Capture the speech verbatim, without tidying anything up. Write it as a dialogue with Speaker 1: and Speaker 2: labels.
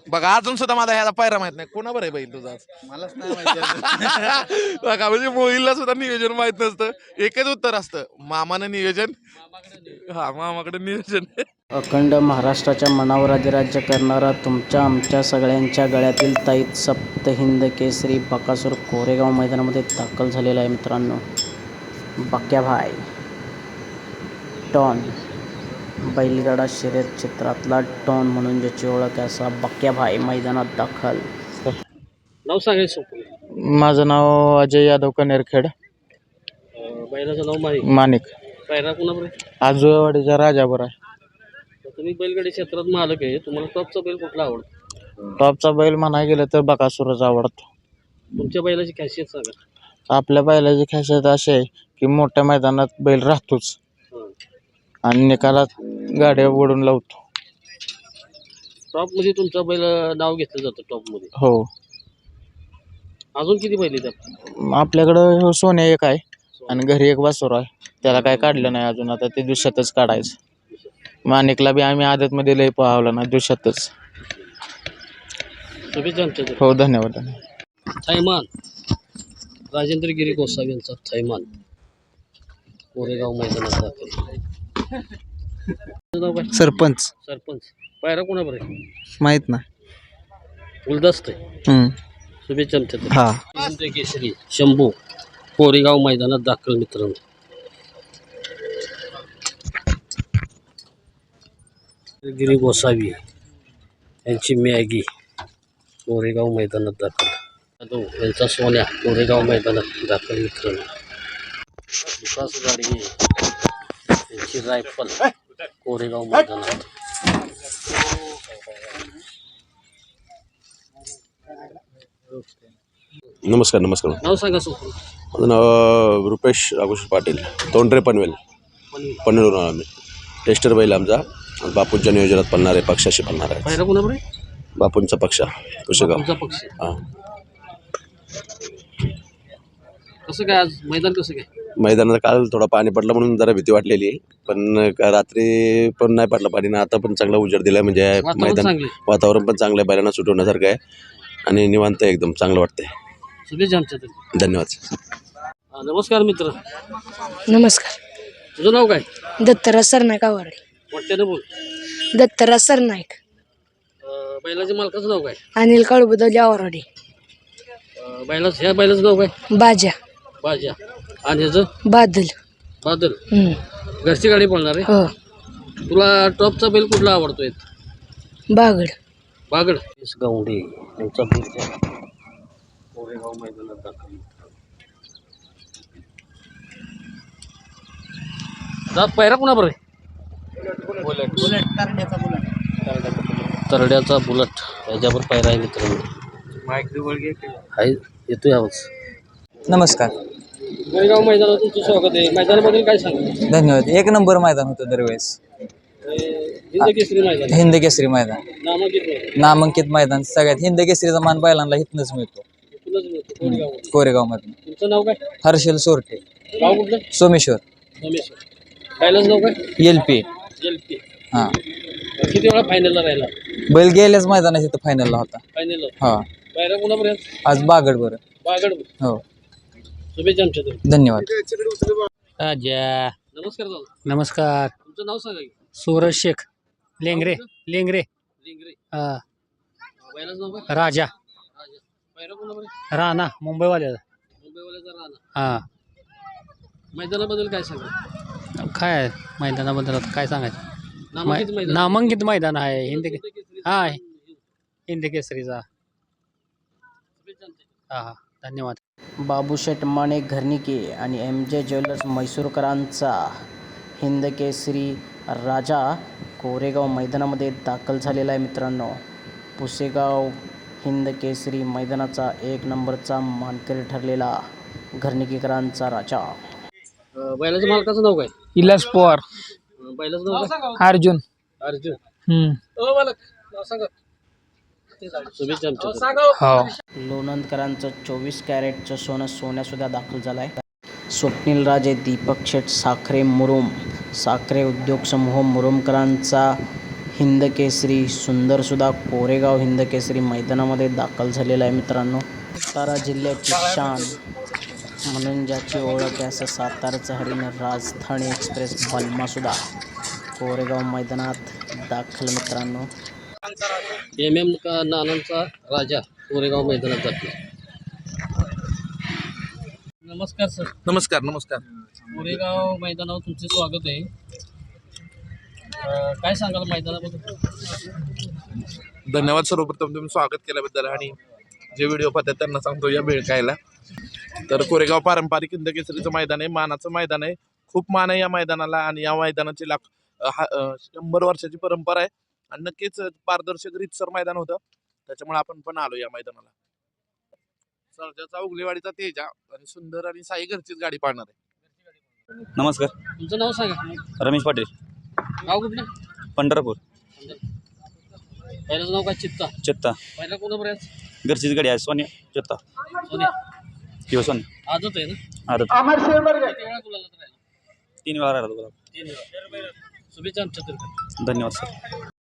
Speaker 1: बघा अजून सुद्धा माझा ह्याला पायरा माहित नाही. कोणावर आहे बैल तुझा?
Speaker 2: मलाच नाही माहिती.
Speaker 1: बघा म्हणजे मोहिलला सुद्धा नियोजन माहित नसतं. एकच उत्तर असतं, मामानं नियोजन. हा, मामाकडे नियोजन.
Speaker 3: अखंड महाराष्ट्राच्या मनावर अधिराज्य करणारा तुमच्या आमच्या सगळ्यांच्या गळ्यातील ताईत सप्त हिंद केसरी बकासूर कोरेगाव मैदानामध्ये दाखल झालेला आहे मित्रांनो. बक्याभाई टॉन, बैलगाडा शर्यत क्षेत्रातला टॉन म्हणून ज्याची ओळख आहे असा बक्याभाई मैदानात दाखल.
Speaker 4: नाव सांगायचं.
Speaker 2: माझं नाव अजय यादव कनेरखेड.
Speaker 4: बैलाचं नाव माही
Speaker 2: माणिक.
Speaker 4: पायरा कुणाबर आहे?
Speaker 2: आजूवाडीचा राजाबर आहे.
Speaker 4: तुम्ही बैलगाडी क्षेत्रात मालक आहे, तुम्हाला टॉपचा बैल कुठला आवडतो?
Speaker 2: टॉपचा बैल म्हणायला गेलं तर बकासूरच आवडतो.
Speaker 4: तुमच्या बैलाची खासियत सांगा.
Speaker 2: आपल्या बैलाची खासियत अशी आहे की मोठ्या मैदानात बैल राहतोच आणि निकालात गाड्या ओढून लावतो.
Speaker 4: टॉप मध्ये तुमचा बैल नाव घेतलं जातं टॉप मध्ये.
Speaker 2: हो.
Speaker 4: अजून किती बैल आहेत?
Speaker 2: आपल्याकडं हो सोन्या एक आहे आणि घरी एक वासुर आहे. त्याला काय काढलं नाही अजून, आता ते दिवसातच काढायचं. माणिकला बी आम्ही आदतमध्ये लय पाहावलं ना दिवसातच.
Speaker 4: शुभेच्छा आमच्या.
Speaker 2: हो, धन्यवाद.
Speaker 4: थैमान राजेंद्र गिरी गोसावी यांचा थैमान कोरेगाव मैदानात दाखल. नाव काय?
Speaker 2: सरपंच.
Speaker 4: सरपंच. पायरा कोणाबर आहे?
Speaker 2: माहित ना.
Speaker 4: गुलदस्त आहे. शुभेच्छा आमच्या.
Speaker 2: हा.
Speaker 4: राजेंद्र केसरी शंभू कोरेगाव मैदानात दाखल मित्रांनो. गिरी गोसावी यांची मॅगी कोरेगाव मैदानात दाखल. जाधव यांचा सोन्या कोरेगाव मैदानात दाखल मित्रांनो. विकास गाडगे यांची रायफल कोरेगाव मैदानात.
Speaker 5: नमस्कार नमस्कार
Speaker 4: नाव सांगा सो.
Speaker 5: माझं नाव रुपेश राघोष पाटील, तोंडरे पनवेल. पनवेलवरून आम्ही टेस्टर बैल आमचा बापूंच्या नियोजनात पडणार आहे, पक्षाशी पडणार आहे.
Speaker 4: पायरा कोणाबर आहे?
Speaker 5: बापूंचा पक्ष पुशेगाव.
Speaker 4: तुमचा पक्ष.
Speaker 5: हां.
Speaker 4: कसं काय आज मैदान कसं काय?
Speaker 5: मैदानात काल थोडा पाणी पडलं म्हणून जरा भीती वाटलेली, पण का रात्री पण नाही पडलं पाणी ना, आता पण चांगला उजेड दिला म्हणजे
Speaker 4: वातावरण
Speaker 5: मैदान
Speaker 4: चांगलं आहे.
Speaker 5: वातावरण पण चांगलं आहे, बैलांना सुटवण्यासारखं आहे आणि निवांत आहे, एकदम चांगलं वाटतंय.
Speaker 4: शुभेच्छा आमच्या.
Speaker 5: धन्यवाद.
Speaker 4: हा, नमस्कार मित्र.
Speaker 6: नमस्कार.
Speaker 4: तुझं नाव काय?
Speaker 6: दत्तराज सरनाईक आवाडे.
Speaker 4: वाटत्यानं बोल.
Speaker 6: दत्तराज सरनाईक.
Speaker 4: अं, बैलाच्या मालकाचं नाव काय?
Speaker 6: अनिल काळबुदवली आवाडे.
Speaker 4: अं, बैलाचं ह्या बैलाचं नाव काय?
Speaker 6: बाजा.
Speaker 4: बाजा. आणि ह्याचं
Speaker 6: बादल.
Speaker 4: बादल.
Speaker 6: हम्म.
Speaker 4: घरची गाडी पळणार आहे.
Speaker 6: हो.
Speaker 4: तुला टॉपचा बैल कुठला आवडतोय?
Speaker 6: बागड.
Speaker 4: बागड. गावंडे यांचा बैल कोरेगाव मैदानात दाखल. जात पायरा कुणाबर आहे? तरड्याचा बुलट याच्यावर पायरा आहे मित्रांनो. आहे, येतोय आवाज.
Speaker 2: नमस्कार.
Speaker 4: कोरेगाव मैदानात तुमचं स्वागत आहे. मैदानाबद्दल काय सांगा?
Speaker 2: धन्यवाद. एक नंबर मैदान होतं दरवेळेस.
Speaker 4: हिंद केसरी मैदान.
Speaker 2: हिंद केसरी मैदान,
Speaker 4: नामांकित मैदान.
Speaker 2: नामांकित मैदान. सगळ्यात हिंद केसरीचा मान बैलांना इथनंच मिळतो,
Speaker 4: तुलाच मिळतो कोरेगावमध्ये.
Speaker 2: कोरेगाव मधून.
Speaker 4: तुमचं नाव काय?
Speaker 2: हर्षल सोरटे,
Speaker 4: गाव कुठलं?
Speaker 2: सोमेश्वर.
Speaker 4: सोमेश्वर. बैलाचं नाव काय?
Speaker 2: L P.
Speaker 4: L P.
Speaker 2: हा.
Speaker 4: किती वेळा फायनलला राहिला?
Speaker 2: बैल गेल्याच मैदानात इथं फायनलला होता.
Speaker 4: फायनलला.
Speaker 2: हा.
Speaker 4: पायरा कुणापर्यंत?
Speaker 2: आज बागड बरं.
Speaker 4: बागड.
Speaker 2: हो.
Speaker 4: शुभेच्छा आमच्या तर्फे.
Speaker 2: धन्यवाद.
Speaker 4: नमस्कार दादा.
Speaker 3: नमस्कार.
Speaker 4: तुमचं नाव सांगा की.
Speaker 3: सूरज शेख लेंगरे. लेंगरे.
Speaker 4: लिंगरे.
Speaker 3: हा.
Speaker 4: बैलाचं नाव काय?
Speaker 3: राजा.
Speaker 4: राजा. पायरा कुणापर्यंत?
Speaker 3: राणा मुंबईवाल्याचा.
Speaker 4: मुंबईवाल्याचा राणा.
Speaker 3: हा.
Speaker 4: मैदानाबद्दल काय सांगा?
Speaker 3: काय मैदानाबद्दल आता काय सांगायचं?
Speaker 4: नामांकित मैदान.
Speaker 3: नामांकित मैदान आहे हिंद
Speaker 4: हिंद केसरी.
Speaker 3: हा हिंद केसरीचा.
Speaker 4: शुभेच्छा आमच्या.
Speaker 3: हा हा. धन्यवाद. बाबूशेठ माने घरनिके आणि एम जे ज्वेलर्स म्हैसूरकरांचा हिंद केसरी राजा कोरेगाव मैदानामध्ये दाखल झालेला आहे मित्रांनो. पुसेगाव हिंद केसरी मैदानाचा एक नंबरचा मानकरी ठरलेला घरनिकेकरांचा राजा.
Speaker 4: अं, बैलाच्या मालकाचं नाव काय?
Speaker 2: इलास पवार.
Speaker 4: अं, बैलाचं नाव काय?
Speaker 2: अर्जुन.
Speaker 4: अर्जुन.
Speaker 2: हम्म.
Speaker 4: ओ मालक नाव सांगा. शुभेच्छा आमच्या.
Speaker 2: हो.
Speaker 3: लोणंदकरांचं चोवीस कॅरेटचं सोनं सोन्यासुद्धा दाखल झालं आहे. स्वप्नील राजे, दीपक शेठ साखरे मुरुम, साखरे उद्योग समूह मुरुमकरांचा हिंद केसरी सुंदरसुद्धा कोरेगाव हिंद केसरी मैदानामध्ये दाखल झालेला आहे मित्रांनो. सातारा जिल्ह्याची शान म्हणून ज्याची ओळख आहे असं सातारचं हरिण राजधानी एक्सप्रेस बलमासुद्धा कोरेगाव मैदानात दाखल मित्रांनो.
Speaker 4: एम एम का नानांचा राजा कोरेगाव मैदानात जातो. नमस्कार सर.
Speaker 1: नमस्कार नमस्कार.
Speaker 4: कोरेगाव मैदानावर तुमचे स्वागत आहे. अं, काय सांगाल मैदानाबद्दल?
Speaker 1: धन्यवाद सर्वप्रथम तुम्ही स्वागत केल्याबद्दल आणि जे व्हिडिओ पाहतात त्यांना सांगतो या वेळ कायला. तर कोरेगाव पारंपरिक हिंद केसरीचं मैदान आहे, मानाचं मैदान आहे. खूप मान आहे या मैदानाला आणि या मैदानाची लाख अ, हा अ, शंभर वर्षाची परंपरा आहे आणि नक्कीच पारदर्शक रीतसर मैदान होतं, त्याच्यामुळे आपण पण आलो या मैदानाला. सर्जाचा उगलेवाडीचा तेजा आणि सुंदर आणि साई घरचीच गाडी पाळणार आहे.
Speaker 7: नमस्कार.
Speaker 4: तुमचं नाव सांगा.
Speaker 7: रमेश पाटील,
Speaker 4: नाव कुठलं?
Speaker 7: पंढरपूर.
Speaker 4: पहिल्याचं नाव काय? चित्ता.
Speaker 7: चित्ता.
Speaker 4: पहिला कोणा बऱ्याच
Speaker 7: घरचीच गाडी आहे. सोन्या चित्ता
Speaker 4: सोन्या
Speaker 7: किंवा सोन्या
Speaker 4: आजच आहे ना?
Speaker 7: आदत
Speaker 4: किती वेळा गुलालात राहिला?
Speaker 7: तीन वेळा राहिला तुला.
Speaker 4: तीन वेळा. शुभेच्छा आमच्या तर्फे.
Speaker 7: धन्यवाद सर.